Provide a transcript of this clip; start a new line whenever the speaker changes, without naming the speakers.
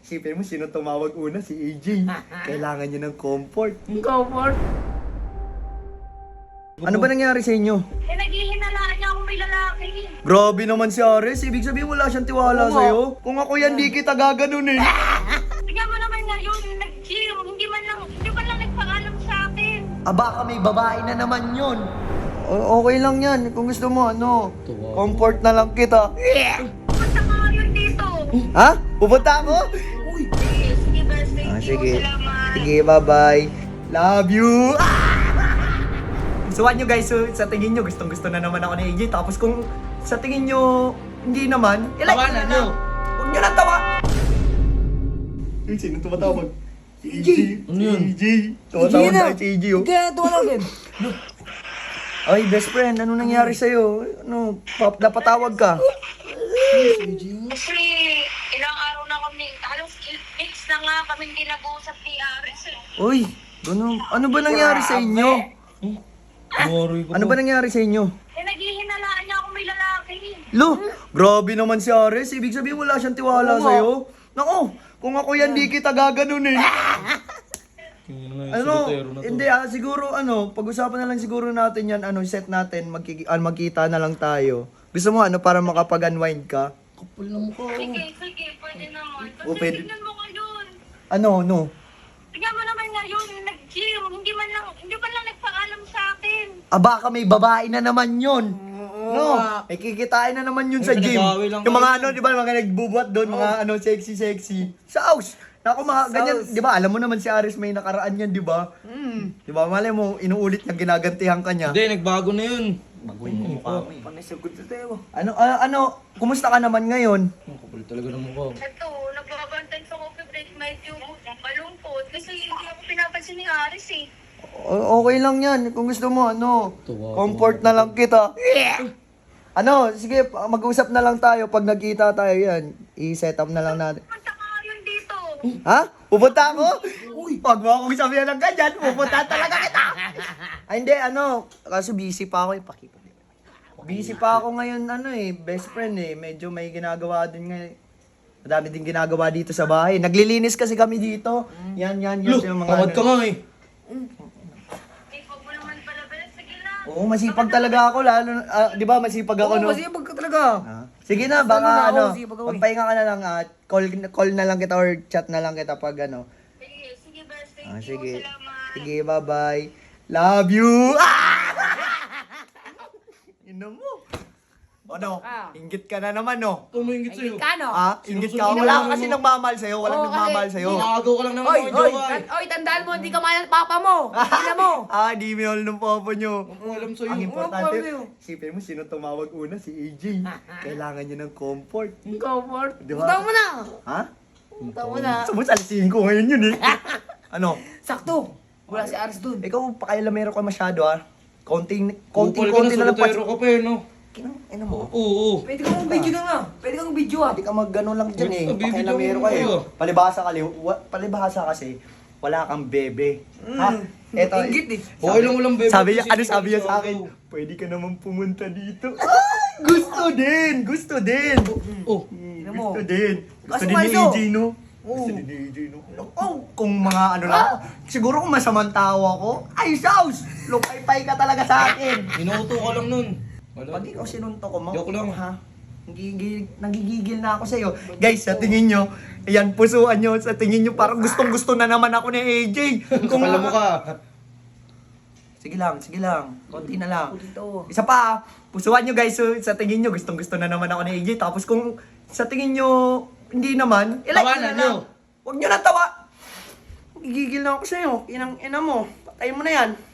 Isipin mo, sino tumawag una? Si AJ. Kailangan niya ng comfort.
Comfort?
Ano ba nangyari sa inyo?
Eh, naghihinalaan niya akong may lalaki.
Grabe naman si Ares. Ibig sabihin wala siyang tiwala sa'yo. Kung ako yan, di kita gaganon eh.
Tignan mo naman ngayon, nag-gym. Hindi man lang nagpaalam sa akin.
Baka may babae na naman yun. Okay lang yan. Kung gusto mo, comfort na lang kita.
Punta ka ngayon dito.
Ha? Pupunta ako?
Sige, best. Thank you.
Sige.
Salamat.
Sige, bye-bye. Love you. Suwan nyo guys, so, sa tingin nyo, gustong-gusto na naman ako ni AJ. Tapos kung sa tingin nyo, hindi naman, ilike
Tawanan
na
nyo.
lang. Huwag nyo na tawa. Sino tumatawag? Si AJ.
Ano yun?
Si AJ. Tumatawag
na.
na si AJ, oh.
Kaya tumalawin.
Ay, best friend, ano nangyari sa'yo? Ano, napatawag ka?
Kasi ilang araw na kami, halos weeks na nga kami hindi nag-uusap ni Aris eh.
Uy, ano ba nangyari sa inyo? Ano ba nangyari sa inyo?
Eh, naghihinalaan niya akong may lalaki.
Lo, grabe naman si Ares. Ibig sabihin wala siyang tiwala sa'yo. Nako, kung ako yan, di kita gaganon eh. Hindi siguro pag-usapan na lang siguro natin yan, set natin, magkita na lang tayo. Gusto mo para makapag-unwind ka?
Kapal na mukha.
Sige, pwede naman. Kasi
Pwede.
tignan mo ngayon.
Ano?
Tignan mo naman ngayon, nag-gym. Hindi man lang nagpaalam sa akin.
Baka may babae na naman yun. No, may kikitain na naman yun sa gym.
pinag-away lang
Yung mga
kayo.
di ba, mga nagbubuhat doon, mga sexy. Sa house. Naku, ganyan, di ba, alam mo naman si Aris may nakaraan yan, di ba? Di ba, malay mo, inuulit niya, ginagantihan ka niya.
Hindi, nagbago na yun.
Bagoy mo mukha mo eh. Kumusta ka naman ngayon?
Ang kapal talaga ng mukha.
Ito, nagbabantay sa coffee break, medyo malungkot. Kasi hindi ako pinapansin ni Aris eh.
Okay lang yan. Kung gusto mo, comfort na lang kita. Sige, mag-usap na lang tayo. Pag nagkita tayo yan, i-set up na lang natin.
Punta ka ngayon dito.
Ha? Pupunta ako? Uy, pag mo akong sabihan ng ganyan, pupunta talaga kita. Ay, hindi, kaso busy pa ako. Busy pa ako ngayon, best friend Medyo may ginagawa din ngayon. Madami din ginagawa dito sa bahay. Naglilinis kasi kami dito. Yan yung mga
Tamad ka nga eh.
Eh, wag mo naman pala, Bel. Sige lang.
Oo, masipag talaga ako, lalo, di ba masipag ako, no?
Masipag ka talaga.
Sige na, baka
Sige, pag-uwi.
magpahinga ka na lang, call na lang kita or chat na lang kita pag
Sige, best. Thank you.
Sige.
Salamat.
Sige, bye-bye. Love you! Ino mo. Inggit ka na naman, no?
Tumingit sa'yo.
Kano?
Inggit ka. Wala ka kasi nagmamahal sa'yo. Walang nagmamahal sa'yo.
Nakagaw ka lang naman
Oy,
mga
oy,
jowa eh.
oy, tandaan mo, hindi ka mahal ng papa mo. Ina mo.
Di mo yun ng popo nyo.
Ang alam sa'yo.
Ang importante,
sa'yo.
isipin mo, sino tumawag una? Si AJ. Kailangan niya ng comfort.
Comfort.
Di ba?
Punta mo na.
Ha?
Punta mo na.
Sumusalisin ko ngayon yun eh.
Sakto. Wala si Aris dun.
Ikaw, pakailamero ka masyado konting
Kupal ka
na lang
soltero ka pa eh, no?
Ina mo.
Oo.
Pwede kang video na nga. Pwede kang video ah.
Hindi ka mag-gano lang dyan eh.
Basta
Pakailamero
bibigyan
ka
mo
eh.
kayo.
Palibhasa kasi, wala kang bebe. Ha? Eto,
Inggit eh.
Okay lang walang bebe.
sabi niya,
Kasi
sabi niya sa akin? Pwede ka naman pumunta dito. Ay, gusto din.
Oh.
mo.
Gusto din. Gusto
Kaso
din ni
maiso.
AJ, no? Gusto din ni AJ, no? Kung mga lang ako, siguro kung masamang tao ako, ay, Saus! Lupay-pay ka talaga sa akin.
Inuuto ka lang nun.
Pag ikaw sinunto ko,
Joke lang.
ha? Nagigigil na ako sa'yo. Guys, sa tingin nyo, ayan, pusuan nyo, sa tingin nyo, parang gustong-gusto na naman ako ni AJ.
Kung alam mo ka.
Sige lang. Konti na lang.
Dito.
Isa pa, pusuan nyo guys, so, sa tingin nyo, gustong-gusto na naman ako ni AJ. Tapos kung sa tingin nyo, hindi naman, ilike
Tawanan
na lang.
nyo.
Huwag nyo na tawa. Gigigil na ako sa'yo. Ina mo. Patayin mo na yan.